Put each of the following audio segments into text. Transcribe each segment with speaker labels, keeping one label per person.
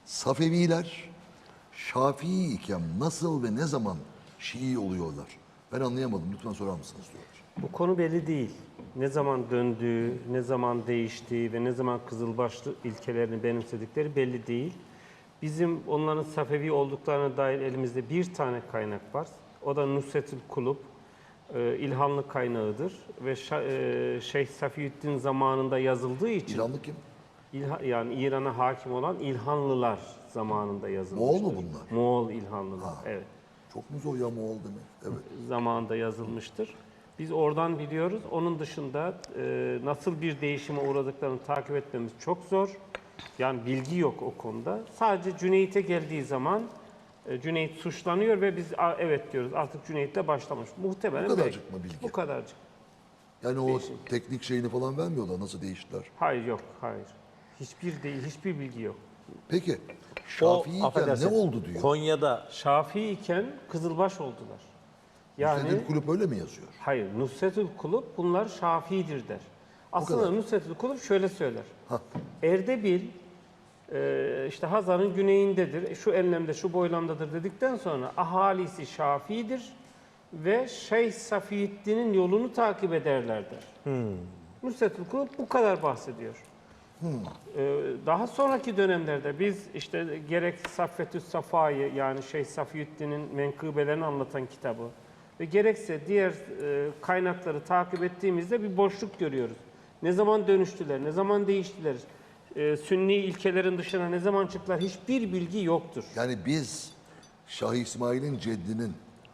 Speaker 1: Safeviler Şafii iken nasıl ve ne zaman Şii oluyorlar? Ben anlayamadım. Lütfen sorar mısınız diyorlar.
Speaker 2: Bu konu belli değil. Ne zaman döndüğü, ne zaman değiştiği ve ne zaman Kızılbaşlı ilkelerini benimsedikleri belli değil. Bizim onların Safevi olduklarına dair elimizde bir tane kaynak var. O da Nusretül Kulub, İlhanlı kaynağıdır ve Şeyh Safiyüddin zamanında yazıldığı için
Speaker 1: İranlı kim?
Speaker 2: yani İran'a hakim olan İlhanlılar zamanında yazılmıştır.
Speaker 1: Moğol mu bunlar?
Speaker 2: Moğol İlhanlılar, evet.
Speaker 1: Çok mu zor ya Moğol demek? Evet.
Speaker 2: Zamanında yazılmıştır. Biz oradan biliyoruz. Onun dışında nasıl bir değişime uğradıklarını takip etmemiz çok zor. Yani bilgi yok o konuda. Sadece Cüneyt'e geldiği zaman Cüneyt suçlanıyor ve biz evet diyoruz artık Cüneyt'le başlamış. Muhtemelen
Speaker 1: Bu kadarcık mı bilgi?
Speaker 2: Bu kadarcık.
Speaker 1: Yani o teknik şeyini falan vermiyorlar. Nasıl değiştiler?
Speaker 2: Hayır yok, hayır. Hiçbir bilgi yok.
Speaker 1: Peki Şafii iken ne
Speaker 3: affedersin,
Speaker 1: oldu diyor.
Speaker 3: Konya'da
Speaker 2: Şafii iken Kızılbaş oldular. Yani
Speaker 1: Nusretül Kulüp öyle mi yazıyor?
Speaker 2: hayır, Nusretül Kulub bunlar Şafii'dir der. Aslında Nusretül Kulub şöyle söyler. Erdebil işte Hazar'ın güneyindedir, şu enlemde, şu boylamdadır dedikten sonra ahalisi Şafii'dir ve Şeyh Safiyüddin'in yolunu takip ederler der. Nusretül Kulub bu kadar bahsediyor. Daha sonraki dönemlerde biz işte gerek Saffetü's Safa'yı yani Şeyh Safiyüddin'in menkıbelerini anlatan kitabı ve gerekse diğer kaynakları takip ettiğimizde bir boşluk görüyoruz. Ne zaman dönüştüler, ne zaman değiştiler, Sünni ilkelerin dışına ne zaman çıktılar hiçbir bilgi yoktur.
Speaker 1: Yani biz Şah İsmail'in ceddinin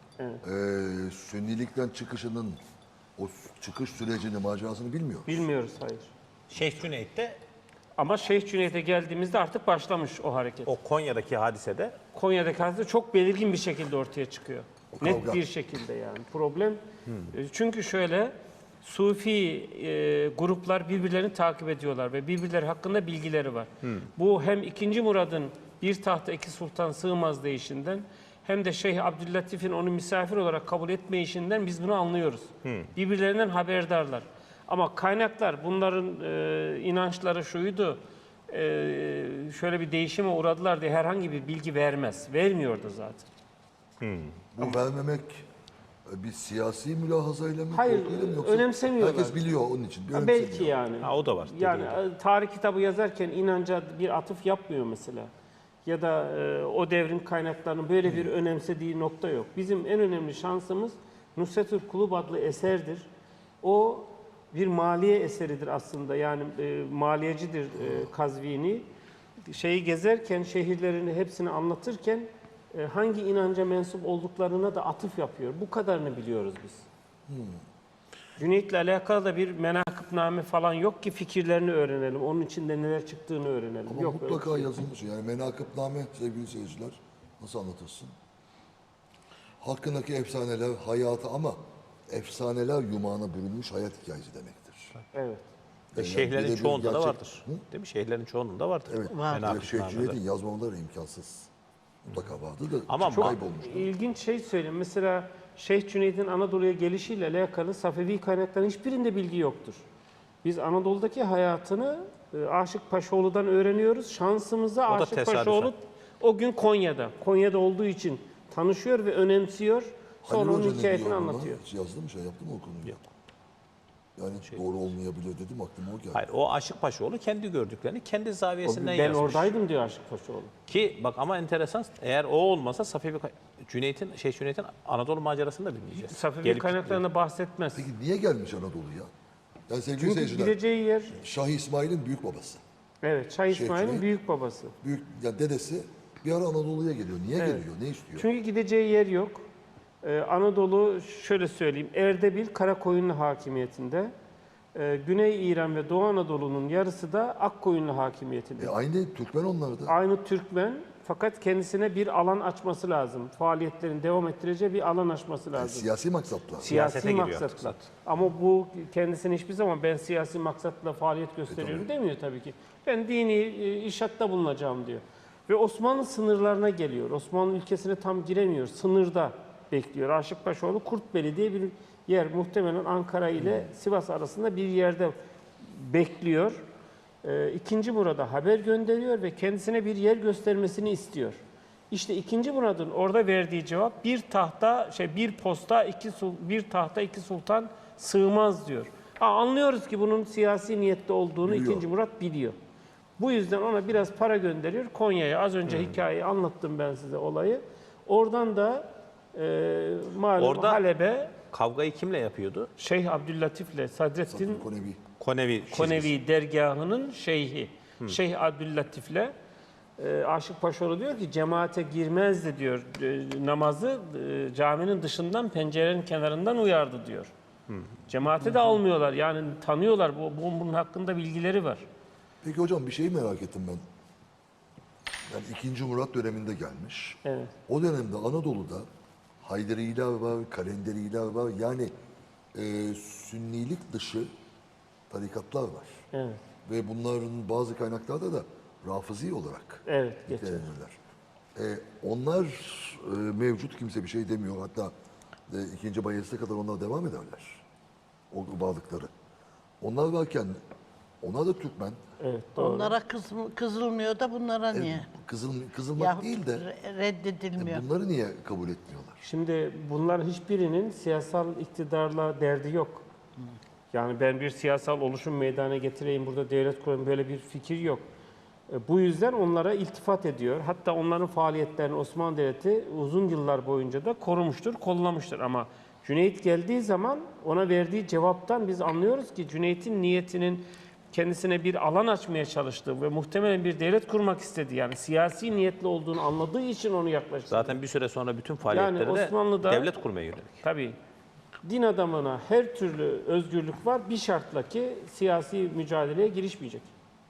Speaker 1: Sünnilikten çıkışının o çıkış sürecini, macerasını bilmiyoruz.
Speaker 2: Bilmiyoruz, hayır.
Speaker 3: Şeyh Cüneyt'te
Speaker 2: Ama Şeyh Cüneyt'e geldiğimizde artık başlamış o hareket.
Speaker 3: o Konya'daki hadisede
Speaker 2: Konya'daki hadise çok belirgin bir şekilde ortaya çıkıyor.
Speaker 1: O
Speaker 2: Net
Speaker 1: kavga.
Speaker 2: bir şekilde yani. Problem çünkü şöyle Sufi gruplar birbirlerini takip ediyorlar ve birbirleri hakkında bilgileri var. Bu hem 2. Murad'ın bir tahta iki sultan sığmaz deyişinden hem de Şeyh Abdüllatif'in onu misafir olarak kabul etmeyişinden biz bunu anlıyoruz. Birbirlerinden haberdarlar. Ama kaynaklar bunların inançları şuydu, şöyle bir değişime uğradılar diye herhangi bir bilgi vermez. Vermiyordu zaten.
Speaker 1: Bu vermemek bir siyasi mülahazayla mı?
Speaker 2: Hayır,
Speaker 1: korkuyla mı yoksa
Speaker 2: önemsemiyorlar.
Speaker 1: herkes biliyor onun için.
Speaker 2: Belki yani.
Speaker 3: ha, o da var.
Speaker 2: Yani tarih kitabı yazarken inanca bir atıf yapmıyor mesela. Ya da o devrin kaynaklarının böyle bir önemsediği nokta yok. Bizim en önemli şansımız Nusretül Kulub adlı eserdir. O bir maliye eseridir aslında. Yani maliyecidir Kazvini. Şeyi gezerken, şehirlerini hepsini anlatırken hangi inanca mensup olduklarına da atıf yapıyor. Bu kadarını biliyoruz biz. Cüneyt'le alakalı da bir menakıbname falan yok ki fikirlerini öğrenelim. Onun içinde neler çıktığını öğrenelim.
Speaker 1: Ama
Speaker 2: yok öyle bir
Speaker 1: mutlaka
Speaker 2: şey.
Speaker 1: yazılmış. Yani menakıbname sevgili seyirciler nasıl anlatırsın? Hakkındaki efsaneler hayatı ama efsaneler yumağına bürünmüş hayat hikayesi demektir.
Speaker 2: Evet.
Speaker 3: Ve
Speaker 1: Yani
Speaker 3: şeyhlerin
Speaker 1: birebir
Speaker 3: çoğunda da
Speaker 1: gerçek-
Speaker 3: vardır. Değil mi? Şeyhlerin çoğunda vardır.
Speaker 1: Evet.
Speaker 3: Menakıb
Speaker 1: Şeyh
Speaker 3: nameler.
Speaker 1: Cüneyt'in yazmamaları imkansız. Mutlaka vardı da
Speaker 3: Ama
Speaker 1: çok kaybolmuş.
Speaker 2: İlginç şey söyleyeyim. Mesela Şeyh Cüneyd'in Anadolu'ya gelişiyle alakalı Safevi kaynakların hiçbirinde bilgi yoktur. Biz Anadolu'daki hayatını Aşık Paşaoğlu'dan öğreniyoruz. Şansımıza
Speaker 3: O da
Speaker 2: Aşık
Speaker 3: tesadüfen.
Speaker 2: Paşaoğlu o gün Konya'da. Konya'da olduğu için tanışıyor ve önemsiyor. Sonra
Speaker 1: Halil
Speaker 2: onun
Speaker 1: Hoca ne
Speaker 2: hikayesini
Speaker 1: diyor buna?
Speaker 2: anlatıyor.
Speaker 1: Hiç yazdı mı yaptı mı o konuyu?
Speaker 3: Yok.
Speaker 1: Yani doğru olmayabilir dedim aklıma o geldi.
Speaker 3: Hayır, o Aşık Paşaoğlu kendi gördüklerini kendi zaviyesinden
Speaker 2: Ben
Speaker 3: yazmış.
Speaker 2: oradaydım diyor Aşık Paşaoğlu.
Speaker 3: Ki bak ama enteresan, eğer o olmasa Şeyh Cüneyt'in Anadolu macerasını da bilmeyeceğiz.
Speaker 2: Safevi
Speaker 3: Gelip
Speaker 2: kaynaklarında bahsetmez.
Speaker 1: Peki niye gelmiş Anadolu'ya? Yani sevgili
Speaker 2: Çünkü
Speaker 1: seyirciler,
Speaker 2: gideceği yer,
Speaker 1: Şah İsmail'in büyük babası.
Speaker 2: evet, Şah İsmail'in
Speaker 1: Cüneyt.
Speaker 2: büyük babası.
Speaker 1: Büyük, yani dedesi bir ara Anadolu'ya geliyor. Niye geliyor? Ne istiyor?
Speaker 2: Çünkü gideceği yer yok. Anadolu şöyle söyleyeyim, Erdebil Karakoyunlu hakimiyetinde. Güney İran ve Doğu Anadolu'nun yarısı da Akkoyunlu hakimiyetinde.
Speaker 1: Aynı Türkmen onlar da.
Speaker 2: Aynı Türkmen fakat kendisine bir alan açması lazım. Faaliyetlerini devam ettireceği bir alan açması
Speaker 1: Yani
Speaker 2: lazım.
Speaker 1: siyasi maksatla.
Speaker 3: Siyasete
Speaker 2: Siyasi
Speaker 3: giriyor
Speaker 2: maksatla.
Speaker 3: artık
Speaker 2: Ama bu kendisini hiçbir zaman ben siyasi maksatla faaliyet gösteriyorum demiyor tabii ki. Ben dini işatta bulunacağım diyor. Ve Osmanlı sınırlarına geliyor. Osmanlı ülkesine tam giremiyor. Sınırda bekliyor. Aşık Paşaoğlu Kurtbeli diye bir yer. Muhtemelen Ankara ile Sivas arasında bir yerde bekliyor. II. Murad'a haber gönderiyor ve kendisine bir yer göstermesini istiyor. İşte II. Murad'ın orada verdiği cevap bir tahta iki sultan sığmaz diyor. Anlıyoruz ki bunun siyasi niyetli olduğunu
Speaker 1: Biliyor.
Speaker 2: II. Murat biliyor. Bu yüzden ona biraz para gönderiyor Konya'ya. Az önce hikayeyi anlattım ben size olayı. Oradan da malum
Speaker 3: Orada-
Speaker 2: Halep'e
Speaker 3: Kavgayı kimle yapıyordu?
Speaker 2: Şeyh Abdüllatif'le Sadrettin
Speaker 1: Konevi.
Speaker 3: Konevi çizgisi.
Speaker 2: Konevi dergahının şeyhi. Şeyh Abdüllatif'le Aşık Paşaoğlu diyor ki cemaate girmezdi diyor. Namazı caminin dışından pencerenin kenarından uyardı diyor. Cemaate de almıyorlar. Yani tanıyorlar. Bunun hakkında bilgileri var.
Speaker 1: Peki hocam bir şeyi merak ettim ben. Yani 2. Murat döneminde gelmiş.
Speaker 2: Evet.
Speaker 1: O dönemde Anadolu'da Haydariler var, Kalenderiler var. Yani Sünnilik dışı tarikatlar var.
Speaker 2: Evet.
Speaker 1: Ve bunların bazı kaynaklarda da Rafizi olarak
Speaker 2: Evet, geçer.
Speaker 1: nitelenirler. Onlar mevcut, kimse bir şey demiyor. Hatta 2. Bayezid'e kadar onlar devam ederler. O varlıkları. Onlar varken onlar da Türkmen.
Speaker 2: Evet, doğru.
Speaker 4: Onlara kızılmıyor da bunlara niye?
Speaker 1: Kızılmak
Speaker 4: Yahut
Speaker 1: değil de
Speaker 4: reddedilmiyor.
Speaker 1: bunları niye kabul etmiyorlar?
Speaker 2: Şimdi bunların hiçbirinin siyasal iktidarla derdi yok. Yani ben bir siyasal oluşum meydana getireyim, burada devlet kurayım, böyle bir fikir yok. Bu yüzden onlara iltifat ediyor. Hatta onların faaliyetlerini Osmanlı Devleti uzun yıllar boyunca da korumuştur, kollamıştır. Ama Cüneyt geldiği zaman ona verdiği cevaptan biz anlıyoruz ki Cüneyt'in niyetinin kendisine bir alan açmaya çalıştığı ve muhtemelen bir devlet kurmak istediği, yani siyasi niyetli olduğunu anladığı için onu yaklaştırdı.
Speaker 3: Zaten bir süre sonra bütün faaliyetleri
Speaker 2: Osmanlı'da-
Speaker 3: devlet kurmaya yönelik.
Speaker 2: Tabii din adamına her türlü özgürlük var bir şartla ki siyasi mücadeleye girişmeyecek.